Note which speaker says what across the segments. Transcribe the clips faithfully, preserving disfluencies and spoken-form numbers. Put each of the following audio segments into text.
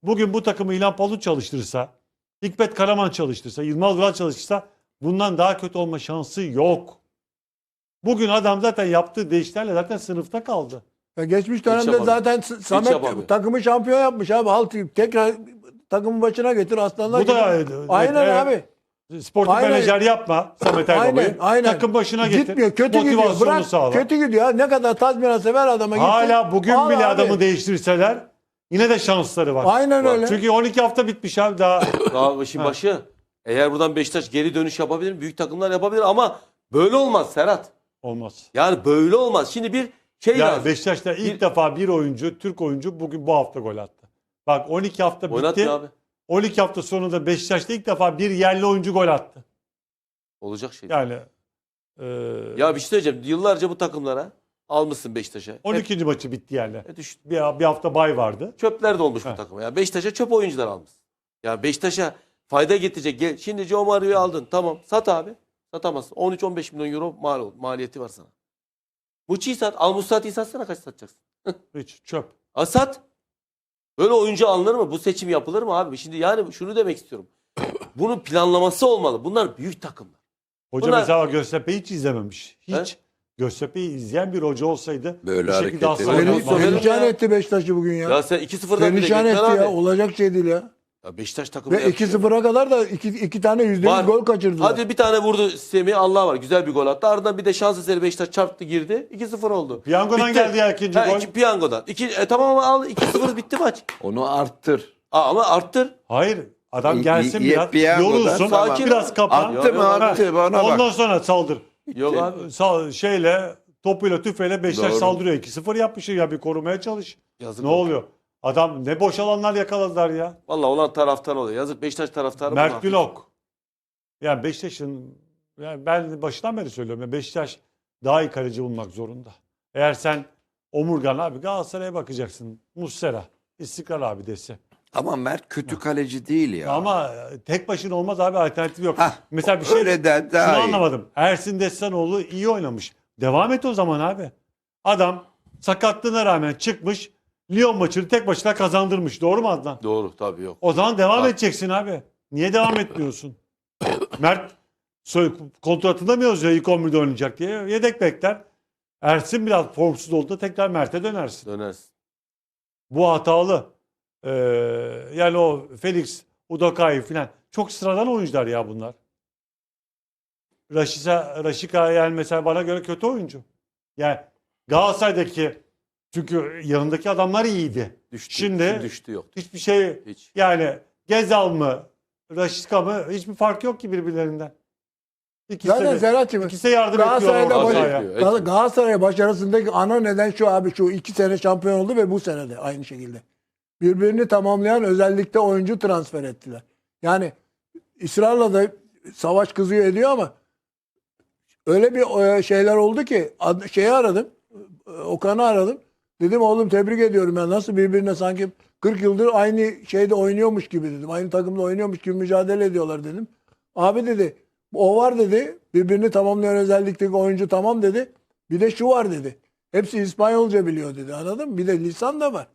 Speaker 1: bugün bu takımı İlhan Palut çalıştırırsa, Hikmet Karaman çalıştırsa, Yılmaz Vural çalıştırsa bundan daha kötü olma şansı yok. Bugün adam zaten yaptığı değişikliklerle zaten sınıfta kaldı.
Speaker 2: Ya geçmiş dönemde
Speaker 3: yapamıyor.
Speaker 2: zaten
Speaker 3: Hiç
Speaker 2: Samet
Speaker 3: yapamıyor.
Speaker 2: takımı şampiyon yapmış abi. Halt tekrar takımın başına getir aslanlar.
Speaker 1: Bu da
Speaker 2: gibi.
Speaker 1: evet,
Speaker 2: Aynen
Speaker 1: evet.
Speaker 2: abi.
Speaker 1: Sportif
Speaker 2: Aynen.
Speaker 1: menajer yapma Samet
Speaker 2: Aynen,
Speaker 1: Aybaba'yı.
Speaker 2: aynen.
Speaker 1: Takım başına getir.
Speaker 2: Gitmiyor, kötü gidiyor.
Speaker 1: Motivasyonunu
Speaker 2: Bırak,
Speaker 1: sağla.
Speaker 2: kötü gidiyor. Ha. Ne kadar tazminat sever adama gitsin.
Speaker 1: Hala bugün
Speaker 2: Al
Speaker 1: bile
Speaker 2: abi.
Speaker 1: adamı değiştirseler yine de şansları var.
Speaker 2: Aynen öyle.
Speaker 1: Çünkü on iki hafta bitmiş abi daha.
Speaker 3: Daha işin başı. Eğer buradan Beşiktaş geri dönüş yapabilir, büyük takımlar yapabilir ama böyle olmaz Serhat.
Speaker 1: Olmaz.
Speaker 3: Yani böyle olmaz. Şimdi bir şey
Speaker 1: Ya
Speaker 3: lazım.
Speaker 1: Beşiktaş'ta ilk
Speaker 3: Bir-
Speaker 1: defa bir oyuncu, Türk oyuncu bugün bu hafta gol attı. Bak on iki hafta bitti.
Speaker 3: Oynatmıyor abi.
Speaker 1: on iki hafta sonunda Beşiktaş'ta ilk defa bir yerli oyuncu gol attı.
Speaker 3: Olacak şey.
Speaker 1: Yani e,
Speaker 3: Ya bir şey söyleyeceğim. Yıllarca bu takımlara almışsın Beşiktaş'a.
Speaker 1: on
Speaker 3: Hep-
Speaker 1: ikinci maçı bitti yani.
Speaker 3: hep düştü.
Speaker 1: Bir, bir hafta bay vardı.
Speaker 3: Çöpler de olmuş
Speaker 1: Heh.
Speaker 3: bu takıma. Ya Beşiktaş'a çöp oyuncular almış. Ya Beşiktaş'a fayda getirecek. Gel, şimdi Joe Mario'yu aldın. Tamam. Sat abi. Satamazsın. on üç on beş milyon euro mal, maliyeti var sana. Muçi'yi sat. Al Musrati'yi satsana, kaç satacaksın?
Speaker 1: Hiç çöp.
Speaker 3: A sat. Böyle oyuncu alınır mı? Bu seçim yapılır mı abi? Şimdi yani şunu demek istiyorum. Bunun planlaması olmalı. Bunlar büyük takımlar.
Speaker 1: Hoca
Speaker 3: Bunlar-
Speaker 1: mesela Göztepe'yi hiç izlememiş. Hiç.
Speaker 3: He?
Speaker 1: Göztepe'yi izleyen bir hoca olsaydı
Speaker 4: Böyle
Speaker 1: bu şekilde
Speaker 4: hareket
Speaker 1: asla
Speaker 4: edemez.
Speaker 1: oynatmaz.
Speaker 3: Söyle-
Speaker 2: Perişan etti Beşiktaş'ı bugün ya.
Speaker 3: Ya sen iki sıfırdan bile
Speaker 2: Perişan
Speaker 3: gitmen
Speaker 2: etti
Speaker 3: abi.
Speaker 2: ya. Olacak şey değil ya.
Speaker 3: Ya Beşiktaş takımı
Speaker 2: Ve iki sıfıra kadar da iki, iki tane yüzde
Speaker 3: Var.
Speaker 2: yüz gol kaçırdılar.
Speaker 3: Hadi bir tane vurdu Semih, Allah var. Güzel bir gol attı. Ardından bir de şans eseri Beşiktaş çarptı, girdi. iki sıfır oldu.
Speaker 1: Piyangodan
Speaker 3: Bitti.
Speaker 1: geldi ya ikinci
Speaker 3: Ha,
Speaker 1: gol.
Speaker 3: iki, piyangodan. İki, e, tamam ama al iki sıfır bitti maç.
Speaker 4: Onu arttır.
Speaker 3: Aa, ama arttır.
Speaker 1: Hayır. Adam
Speaker 4: İyi-
Speaker 1: gelsin
Speaker 4: iyi-
Speaker 1: biraz.
Speaker 4: piyangodan
Speaker 1: Yorulsun.
Speaker 3: sakin
Speaker 1: Biraz
Speaker 3: ol.
Speaker 1: kapan.
Speaker 4: Attı mı
Speaker 3: Ha,
Speaker 4: attı bana bak.
Speaker 1: Ondan sonra saldır.
Speaker 3: Yok abi.
Speaker 1: Sal, şeyle topuyla tüfeğiyle Beşiktaş
Speaker 4: Doğru.
Speaker 1: saldırıyor. iki sıfır yapmışsın ya, bir korumaya çalış.
Speaker 3: Yazık
Speaker 1: Ne
Speaker 3: oldu.
Speaker 1: oluyor? Adam ne boş alanlar yakaladılar ya.
Speaker 3: Vallahi olan taraftar oluyor. Yazık Beşiktaş taraftarı. bunu
Speaker 1: Mert
Speaker 3: hak
Speaker 1: Günok. Yani Beşiktaş'ın, yani ben başından beri söylüyorum ya, Beşiktaş daha iyi kaleci bulmak zorunda. Eğer sen omurgan abi Galatasaray'a bakacaksın. Muslera, İstikrar abi dese.
Speaker 4: Ama Mert kötü kaleci değil ya.
Speaker 1: Ama tek başına olmaz abi, alternatif yok.
Speaker 4: Hah,
Speaker 1: Mesela bir şey
Speaker 4: öyle de
Speaker 1: şunu
Speaker 4: daha iyi.
Speaker 1: anlamadım. Ersin Destanoğlu iyi oynamış. Devam et o zaman abi. Adam sakatlığına rağmen çıkmış. Lyon maçını tek başına kazandırmış. Doğru mu Adnan?
Speaker 3: Doğru tabii yok.
Speaker 1: O zaman devam
Speaker 3: Bak.
Speaker 1: edeceksin abi. Niye devam etmiyorsun? Mert sö- kontratında mı yazıyor ilk on birde oynayacak diye? Yedek bekler. Ersin biraz formsuz olduğunda tekrar Mert'e dönersin.
Speaker 3: Dönersin.
Speaker 1: Bu hatalı. Ee, yani o Felix, Udokai falan. Çok sıradan oyuncular ya bunlar. Raşika, Raşika yani mesela bana göre kötü oyuncu. Yani Galatasaray'daki, çünkü yanındaki adamlar iyiydi.
Speaker 3: Düştü.
Speaker 1: Şimdi
Speaker 3: düştü yok.
Speaker 1: hiçbir şey,
Speaker 3: Hiç.
Speaker 1: yani Gezal mı, Raşika mı, hiçbir fark yok ki birbirlerinden. İkisi
Speaker 2: Zaten
Speaker 1: de,
Speaker 2: Serhat'cığım
Speaker 1: ikisi de yardım
Speaker 2: Galatasaray'da
Speaker 1: ediyor orta
Speaker 2: baş-
Speaker 1: sahaya.
Speaker 3: Etmiyor,
Speaker 2: Gal-
Speaker 3: etmiyor.
Speaker 2: Galatasaray başarısındaki ana neden şu abi, şu iki sene şampiyon oldu ve bu sene de aynı şekilde. Birbirini tamamlayan özellikle oyuncu transfer ettiler. Yani ısrarla da Savaş kızıyor ediyor ama öyle bir e, şeyler oldu ki ad- şeyi aradım. e, Okan'ı aradım. Dedim oğlum tebrik ediyorum ya, nasıl birbirine sanki kırk yıldır aynı şeyde oynuyormuş gibi dedim. Aynı takımda oynuyormuş gibi mücadele ediyorlar dedim. Abi dedi o var dedi. Birbirini tamamlayan özellikteki oyuncu tamam dedi. Bir de şu var dedi. Hepsi İspanyolca biliyor dedi. Anladın mı? Bir de lisan da var.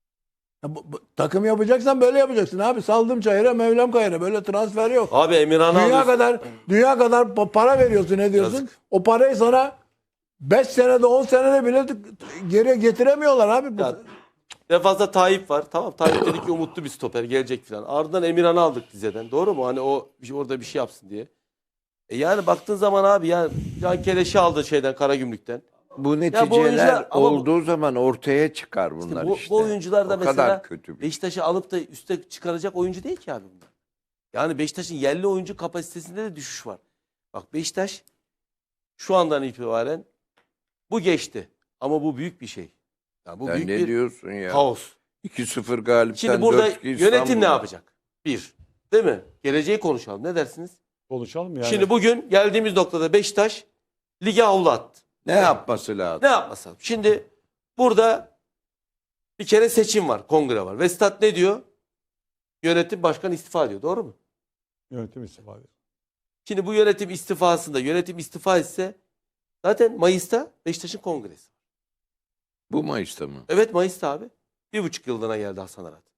Speaker 2: Ya bu- bu- takım yapacaksan böyle yapacaksın abi. Saldım çayıra, Mevlam kayıra. Böyle transfer yok.
Speaker 3: Abi Emirhan'ı
Speaker 2: Dünya
Speaker 3: alıyorsun.
Speaker 2: kadar dünya kadar pa- para veriyorsun, ne diyorsun?
Speaker 3: Yazık.
Speaker 2: O parayı sana beş senede on senede bile t- geriye getiremiyorlar abi. Bu-
Speaker 3: Ya, Defansta Tayyip var. Tamam, Tayyip dedi ki umutlu bir stoper gelecek falan. Ardından Emirhan'ı aldık Rize'den. Doğru mu? Hani o bir- orada bir şey yapsın diye. E yani baktığın zaman abi yani Can Keleş'i aldı şeyden, Karagümrük'ten.
Speaker 4: Bu neticeler
Speaker 3: oyuncular- ama bu-
Speaker 4: olduğu zaman ortaya çıkar bunlar
Speaker 3: bu,
Speaker 4: işte.
Speaker 3: bu oyuncular da
Speaker 4: o
Speaker 3: mesela
Speaker 4: kadar kötü bir.
Speaker 3: Beşiktaş'ı alıp da üste çıkaracak oyuncu değil ki abi bunlar. Yani Beşiktaş'ın yerli oyuncu kapasitesinde de düşüş var. Bak Beşiktaş şu andan itibaren bu geçti. Ama bu büyük bir şey. Yani bu
Speaker 4: Sen
Speaker 3: büyük
Speaker 4: ne
Speaker 3: bir
Speaker 4: diyorsun ya?
Speaker 3: kaos.
Speaker 4: iki sıfır galipten
Speaker 3: Şimdi burada
Speaker 4: dört iki
Speaker 3: yönetim ne
Speaker 4: İstanbul'a.
Speaker 3: yapacak? Bir. Değil mi? Geleceği konuşalım. Ne dersiniz?
Speaker 1: Konuşalım yani.
Speaker 3: Şimdi bugün geldiğimiz noktada Beşiktaş lige havlu attı.
Speaker 4: Ne yapması lazım?
Speaker 3: Ne yapmasam? Şimdi burada bir kere seçim var, kongre var. Vestat ne diyor? Yönetim başkan istifa ediyor. Doğru mu?
Speaker 1: Yönetim istifa ediyor.
Speaker 3: Şimdi bu yönetim istifasında, yönetim istifa etse zaten Mayıs'ta Beşiktaş'ın kongresi.
Speaker 4: Bu Mayıs'ta mı?
Speaker 3: Evet, Mayıs'ta abi. Bir buçuk yıllığına geldi Hasan Arat.